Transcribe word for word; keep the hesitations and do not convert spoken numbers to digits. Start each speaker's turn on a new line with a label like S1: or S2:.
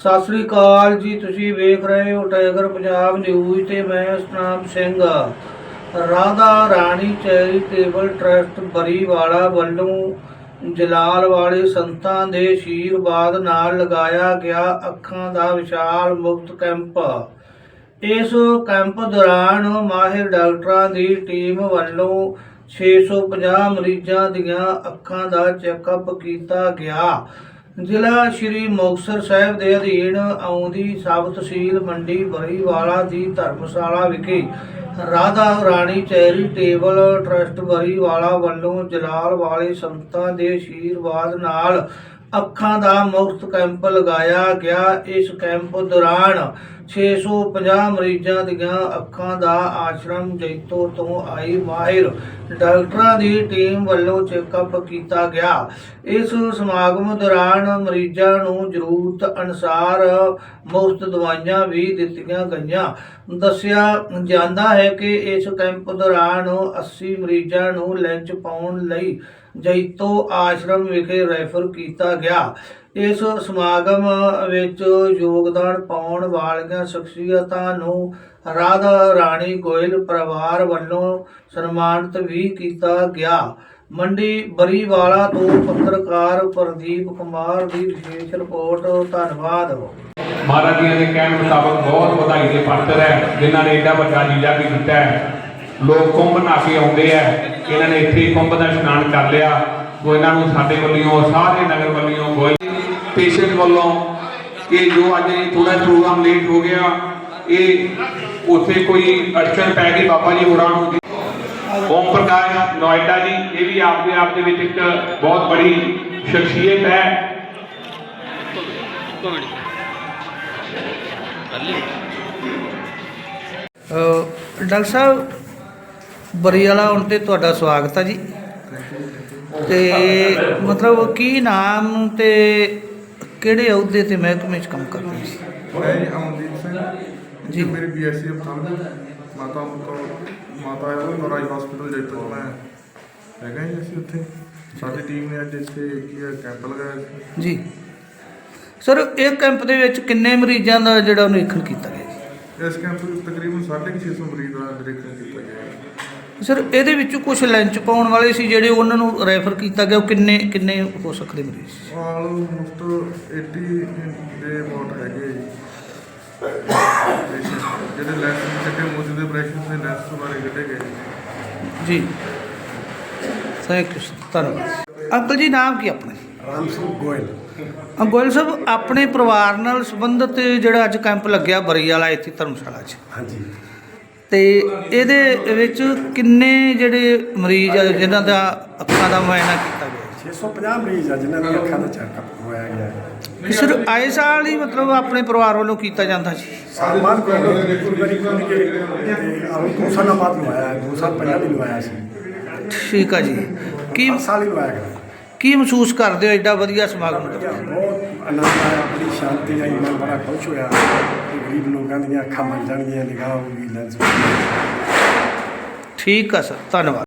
S1: ਸਤਿ ਸ੍ਰੀ ਅਕਾਲ ਜੀ। ਤੁਸੀਂ ਵੇਖ ਰਹੇ ਹੋ ਟਾਈਗਰ ਪੰਜਾਬ ਨਿਊਜ਼ ਤੇ ਮੈਂ ਸਤਨਾਮ ਸਿੰਘ। ਰਾਧਾ ਰਾਣੀ ਚੈਰੀਟੇਬਲ ਟਰੱਸਟ ਬਰੀਵਾਲਾ ਵੱਲੋਂ ਜਲਾਲ ਵਾਲੇ ਸੰਤਾਂ ਦੇ ਅਸ਼ੀਰਵਾਦ ਨਾਲ ਲਗਾਇਆ ਗਿਆ ਅੱਖਾਂ ਦਾ ਵਿਸ਼ਾਲ ਮੁਫਤ ਕੈਂਪ। ਇਸ ਕੈਂਪ ਦੌਰਾਨ ਮਾਹਿਰ ਡਾਕਟਰਾਂ ਦੀ ਟੀਮ ਵੱਲੋਂ ਛੇ ਸੌ ਪੰਜਾਹ ਮਰੀਜ਼ਾਂ ਦੀਆਂ ਅੱਖਾਂ ਦਾ ਚੈੱਕਅਪ ਕੀਤਾ ਗਿਆ। ਜ਼ਿਲ੍ਹਾ ਸ਼੍ਰੀ ਮੁਕਤਸਰ ਸਾਹਿਬ ਦੇ ਅਧੀਨ ਆਉਂਦੀ ਸਬ ਤਹਿਸੀਲ ਮੰਡੀ ਬਰੀਵਾਲਾ ਦੀ ਧਰਮਸ਼ਾਲਾ ਵਿਖੇ ਰਾਧਾ ਰਾਣੀ ਚੈਰੀਟੇਬਲ ਟਰੱਸਟ ਬਰੀਵਾਲਾ ਵੱਲੋਂ ਜਲਾਲ ਵਾਲੇ ਸੰਤਾਂ ਦੇ ਅਸ਼ੀਰਵਾਦ ਨਾਲ ਅੱਖਾਂ ਦਾ ਮੁਫਤ ਕੈਂਪ ਲਗਾਇਆ ਗਿਆ। ਇਸ ਕੈਂਪ ਦੌਰਾਨ ਛੇ ਸੌ ਪੰਜਾਹ ਮਰੀਜ਼ਾਂ ਦੀਆਂ ਅੱਖਾਂ ਦਾ ਆਸ਼ਰਮ ਜੈਤੋ ਤੋਂ ਆਈ ਮਾਹਿਰ ਡਾਕਟਰਾਂ ਦੀ ਟੀਮ ਵੱਲੋਂ ਚੈੱਕਅਪ ਕੀਤਾ ਗਿਆ। ਇਸ ਸਮਾਗਮ ਦੌਰਾਨ ਮਰੀਜ਼ਾਂ ਨੂੰ ਜ਼ਰੂਰਤ ਅਨੁਸਾਰ ਮੁਫਤ ਦਵਾਈਆਂ ਵੀ ਦਿੱਤੀਆਂ ਗਈਆਂ। ਦੱਸਿਆ ਜਾਂਦਾ ਹੈ ਕਿ ਇਸ ਕੈਂਪ ਦੌਰਾਨ ਅੱਸੀ ਮਰੀਜ਼ਾਂ ਨੂੰ ਲੈਂਚ ਪਾਉਣ ਲਈ ਜੈਤੋ ਆਸ਼ਰਮ ਵਿਖੇ ਰੈਫਰ ਕੀਤਾ ਗਿਆ। ਇਸ ਸਮਾਗਮ ਵਿੱਚ ਯੋਗਦਾਨ ਪਾਉਣ ਵਾਲੀਆਂ ਸ਼ਖਸੀਅਤਾਂ ਨੂੰ ਰਾਧਾ ਰਾਣੀ ਗੋਇਲ ਪਰਿਵਾਰ ਵੱਲੋਂ ਸਨਮਾਨਿਤ ਵੀ ਕੀਤਾ ਗਿਆ। ਮੰਡੀ ਬਰੀਵਾਲਾ ਤੋਂ ਪੱਤਰਕਾਰ ਪ੍ਰਦੀਪ ਕੁਮਾਰ ਦੀ ਵਿਸ਼ੇਸ਼ ਰਿਪੋਰਟ। ਧੰਨਵਾਦ।
S2: ਮਹਾਰਾਜ ਜੀ ਦੇ ਕਹਿਣ ਮੁਤਾਬਕ ਬਹੁਤ ਵਧਾਈ ਦੇ ਪਾਤਰ ਹੈ ਜਿਨ੍ਹਾਂ ਨੇ ਏਡਾ ਵੱਡਾ ਲੀਲਾ ਵੀ ਕੀਤਾ ਹੈ। ਲੋਕ ਕੁੰਭ ਨਹਾ ਕੇ ਆਉਂਦੇ ਆ, ਇਹਨਾਂ ਨੇ ਇੱਥੇ ਕੁੰਭ ਦਾ ਇਸ਼ਨਾਨ ਕਰ ਲਿਆ। ਉਹ ਇਹਨਾਂ ਨੂੰ ਸਾਡੇ ਵੱਲੋਂ ਸਾਰੇ ਨਗਰ ਵੱਲੋਂ ਗੋਇਲ ਪੇਸ਼ੈਂਟ ਵੱਲੋਂ ਕਿ ਜੋ ਅੱਜ ਥੋੜਾ ਪ੍ਰੋਗਰਾਮ ਲੇਟ ਹੋ ਗਿਆ, ਇਹ ਉੱਥੇ ਕੋਈ ਅੜਚਨ ਪੈ ਗਈ ਬਾਬਾ ਜੀ ਹੋਰਾਂ ਨੂੰ। ਓਮ ਪ੍ਰਕਾਸ਼ ਨੋਇਡਾ ਜੀ, ਇਹ ਵੀ ਆਪਦੇ ਆਪ ਦੇ ਵਿੱਚ ਇੱਕ ਬਹੁਤ ਬੜੀ ਸ਼ਖਸੀਅਤ ਹੈ।
S1: ਡਾਕਟਰ ਸਾਹਿਬ, ਬਰੀਵਾਲਾ ਆਉਣ ਤੇ ਤੁਹਾਡਾ ਸਵਾਗਤ ਹੈ ਜੀ। ਤੇ ਮਤਲਬ ਕੀ ਨਾਮ ਤੇ ਕਿਹੜੇ ਅਹੁਦੇ ਤੇ ਮਹਿਕਮੇ 'ਚ ਕੰਮ ਕਰਦੇ ਸੀ?
S3: ਮੈਂ ਜੀ ਅਮਨਦੀਪ ਸਿੰਘ
S1: ਜੀ।
S3: ਮੇਰੀ ਬੀ ਐਸ ਸੀ ਅਫਥਾਲਮੀ ਮਾਤਾ ਮਾਤਾ ਰਾਜ ਹਸਪੀਟਲ ਜੈਤੋ 'ਚ ਮੈਂ ਹੈਗਾ ਜੀ। ਅਸੀਂ ਉੱਥੇ ਸਾਡੀ ਟੀਮ ਨੇ ਅੱਜ ਇੱਥੇ ਕੀ ਹੈ ਕੈਂਪ ਲਗਾਇਆ ਸੀ
S1: ਜੀ। ਸਰ, ਇਹ ਕੈਂਪ ਦੇ ਵਿੱਚ ਕਿੰਨੇ ਮਰੀਜ਼ਾਂ ਦਾ ਜਿਹੜਾ ਨਿਰੀਖਣ ਕੀਤਾ ਗਿਆ ਜੀ?
S3: ਇਸ ਕੈਂਪ ਵਿੱਚ ਤਕਰੀਬਨ ਸਾਢੇ ਛੇ ਸੌ ਮਰੀਜ਼ ਦਾ ਨਿਰੀਖਣ ਕੀਤਾ ਗਿਆ।
S1: ਸਰ, ਇਹਦੇ ਵਿੱਚੋਂ ਕੁਝ ਲੰਚ ਪਾਉਣ ਵਾਲੇ ਸੀ ਜਿਹੜੇ ਉਹਨਾਂ ਨੂੰ ਰੈਫਰ ਕੀਤਾ ਗਿਆ, ਉਹ ਕਿੰਨੇ ਕਿੰਨੇ ਹੋ ਸਕਦੇ ਮਰੀਜ਼?
S3: ਆਲਮੋਸਟ ਅੱਸੀ ਦੇ ਅਬਾਊਟ ਹੈਗੇ ਜੀ ਜਿਹੜੇ ਲੈਂਸ ਕੱਢੇ ਮੌਜੂਦ ਦੇ ਆਪਰੇਸ਼ਨ ਦੇ ਲੈਂਸ ਬਾਰੇ ਕੱਢੇ ਗਏ
S1: ਜੀ। ਥੈਂਕ ਯੂ ਸਰ, ਧੰਨਵਾਦ। ਅੰਕਲ ਜੀ, ਨਾਮ ਕੀ ਆਪਣਾ?
S4: ਰਾਮ ਸਿੰਘ ਗੋਇਲ।
S1: ਗੋਇਲ ਸਾਹਿਬ, ਆਪਣੇ ਪਰਿਵਾਰ ਨਾਲ ਸੰਬੰਧਿਤ ਜਿਹੜਾ ਅੱਜ ਕੈਂਪ ਲੱਗਿਆ ਬਰੀਵਾਲਾ ਇੱਥੇ ਧਰਮਸ਼ਾਲਾ 'ਚ,
S4: ਹਾਂਜੀ,
S1: ਤੇ ਇਹਦੇ ਵਿੱਚ ਕਿੰਨੇ ਜਿਹੜੇ ਮਰੀਜ਼ ਆ ਜਿਨ੍ਹਾਂ ਦਾ ਅੱਖਾਂ ਦਾ ਮੁਆਇਨਾ ਕੀਤਾ ਗਿਆ?
S4: ਛੇ ਸੌ ਪੰਜਾਹ ਮਰੀਜ਼ ਆ ਜਿਨ੍ਹਾਂ ਦੀ ਅੱਖਾਂ ਦਾ ਚੈੱਕਅਪ ਹੋਇਆ ਗਿਆ ਹੈ।
S1: ਸਰ, ਆਏ ਸਾਲ ਹੀ ਮਤਲਬ ਆਪਣੇ ਪਰਿਵਾਰ ਵੱਲੋਂ ਕੀਤਾ ਜਾਂਦਾ ਜੀ?
S4: ਸਾਲਮਾਨ ਕੋਲ ਵਾਰੀ ਖੁੱਲ੍ਹ ਕੇ ਤੇ ਆਉਂ ਦੋ ਸਾਲਾਂ ਬਾਅਦ ਲਵਾਇਆ, ਦੋ ਸਾਲ ਪਹਿਲਾਂ ਵੀ ਲਵਾਇਆ ਸੀ।
S1: ਠੀਕ ਆ ਜੀ। ਕੀ
S4: ਹਰ ਸਾਲ ਹੀ ਲਵਾਇਆ ਗਿਆ।
S1: ਕੀ ਮਹਿਸੂਸ ਕਰਦੇ ਹੋ ਐਡਾ ਵਧੀਆ ਸਮਾਗਮ ਦਾ?
S4: ਬਹੁਤ ਆਨੰਦ ਆਇਆ, ਬੜੀ ਸ਼ਾਂਤੀ ਆਈ, ਮਨ ਬੜਾ ਖੁਸ਼ ਹੋਇਆ ਕਿ ਗਰੀਬ ਲੋਕਾਂ ਦੀਆਂ ਅੱਖਾਂ ਬਣ ਜਾਣਗੀਆਂ, ਨਿਗਾਹ ਹੋਊਗੀ ਲੈਂਸ।
S1: ਠੀਕ ਆ ਸਰ, ਧੰਨਵਾਦ।